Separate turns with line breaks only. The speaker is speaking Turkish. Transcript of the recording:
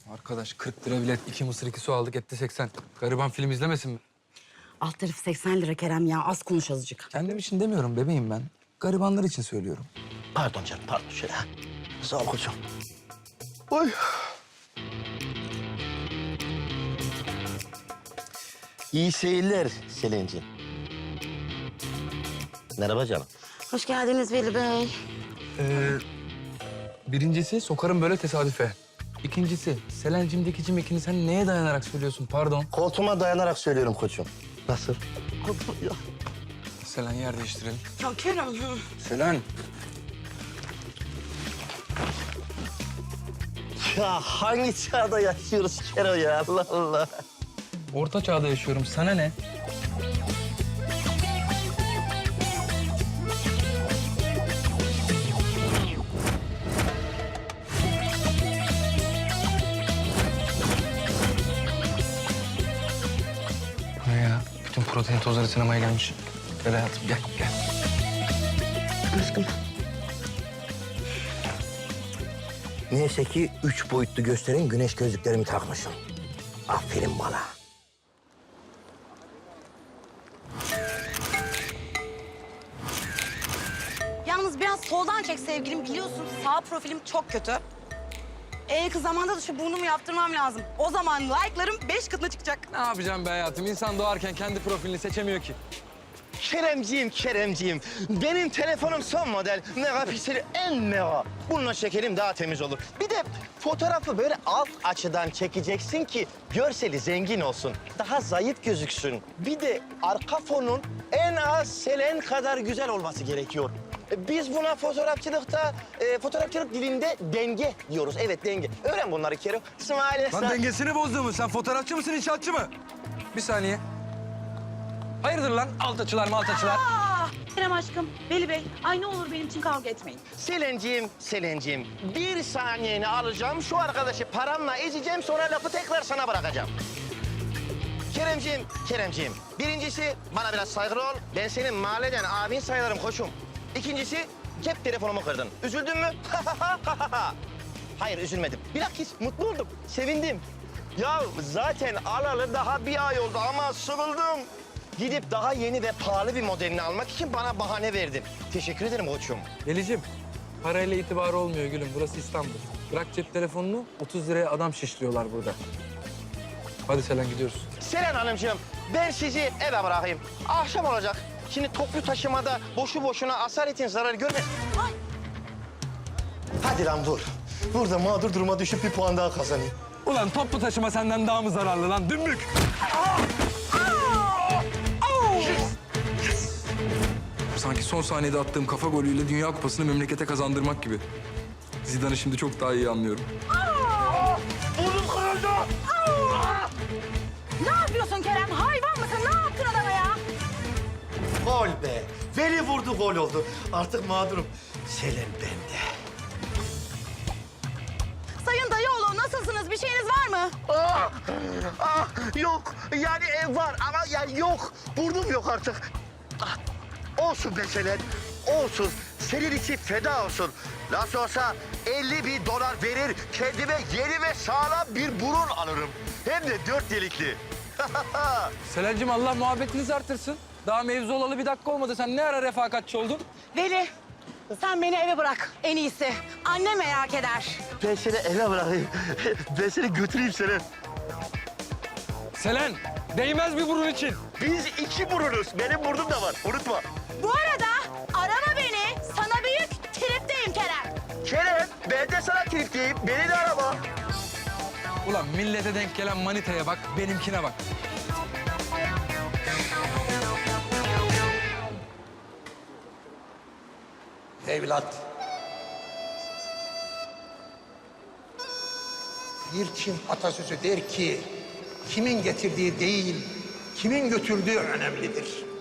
Arkadaş 40 lira bilet, 2 mısır 2 su aldık etti 80. Gariban film izlemesin mi?
Alt tarafı 80 lira Kerem ya. Az konuş azıcık.
Kendim için demiyorum bebeğim ben. Garibanlar için söylüyorum.
Pardon canım, pardon. Şöyle. Sağ ol koçum. Oy. İyi seyirler Selin'ciğim. Merhaba canım.
Hoş geldiniz Veli Bey.
Birincisi sokarım böyle tesadüfe. İkincisi Selen'cimdeki cimekini sen neye dayanarak söylüyorsun pardon?
Koltuğuma dayanarak söylüyorum koçum. Nasıl?
Selen yer değiştirelim.
Ya Kerem.
Selen.
Ya hangi çağda yaşıyoruz Kero ya? Allah Allah.
Orta çağda yaşıyorum sana ne? Bu ne ya? Bütün protein tozları sinemaya gelmiş. Gel hayatım gel gel.
Aşkım.
Neyse ki 3 boyutlu gösterin güneş gözlüklerimi takmışım. Aferin bana.
Yalnız biraz soldan çek sevgilim. Biliyorsun sağ profilim çok kötü. Kız zamanda da şu burnumu yaptırmam lazım. O zaman like'larım 5 katına çıkacak.
Ne yapacağım be hayatım? İnsan doğarken kendi profilini seçemiyor ki.
Keremciğim. Benim telefonum son model. Megapikseli en mega. Bununla çekelim daha temiz olur. Bir de fotoğrafı böyle alt açıdan çekeceksin ki görseli zengin olsun. Daha zayıf gözüksün. Bir de arka fonun en az Selen kadar güzel olması gerekiyor. Biz buna fotoğrafçılıkta, fotoğrafçılık dilinde denge diyoruz. Evet, denge. Öğren bunları Kerem. İsmail
Lan dengesini bozdun mu? Sen fotoğrafçı mısın, inşaatçı mı? Bir saniye. Hayırdır lan altaçılar maltaçılar?
Kerem aşkım, Veli Bey, ay ne olur benim için kavga etmeyin.
Selen'ciğim, bir saniyeni alacağım. Şu arkadaşı paramla ezeceğim, sonra lafı tekrar sana bırakacağım. Keremciğim, birincisi bana biraz saygılı ol. Ben senin mahalleden abin sayılırım koçum. İkincisi, cep telefonumu kırdın. Üzüldün mü? Hayır, üzülmedim. Bilakis mutlu oldum, sevindim. Ya zaten alalı daha bir ay oldu ama sıkıldım. Gidip daha yeni ve pahalı bir modelini almak için bana bahane verdin. Teşekkür ederim koçum.
Delicim, parayla itibarı olmuyor gülüm. Burası İstanbul. Bırak cep telefonunu, 30 liraya adam şişliyorlar burada. Hadi Selen gidiyoruz.
Selen Hanımcığım, ben sizi eve bırakayım. Akşam olacak. Şimdi toplu taşımada boşu boşuna asaletin zararı görme. Ay. Hadi lan dur. Burada mağdur duruma düşüp bir puan daha kazanayım.
Ulan toplu taşıma senden daha mı zararlı lan dümbük? Sanki son saniyede attığım kafa golüyle Dünya Kupası'nı memlekete kazandırmak gibi. Zidane'ı şimdi çok daha iyi anlıyorum.
Burnum kırıldı.
Ne yapıyorsun Kerem? Hayvan mısın? Ne yaptın adama ya?
Gol be. Veli vurdu, gol oldu. Artık mağdurum. Selen bende.
Sayın Dayıoğlu nasılsınız? Bir şeyiniz var mı?
Yok. Yani var ama yani yok. Burnum yok artık. Olsun be Selen. Olsun. Senin için feda olsun. Nasıl olsa 50.000 dolar verir, kendime yeni ve sağlam bir burun alırım. Hem de 4 delikli.
Selen'cim Allah muhabbetinizi artırsın. Daha mevzu olalı bir dakika olmadı. Sen ne ara refakatçi oldun?
Veli sen beni eve bırak en iyisi. Annem merak eder.
Ben seni eve bırakayım. Ben seni götüreyim Selen.
Selen, değmez bir burun için.
Biz 2 burunuz. Benim burnum da var. Unutma.
Bu arada arama beni. Sana büyük tripteyim Kerem.
Kerem, ben de sana tripteyim. Beni de arama.
Ulan millete denk gelen manitaya bak, benimkine bak.
Evlat. Bir Çin atasözü der ki, kimin getirdiği değil, kimin götürdüğü önemlidir.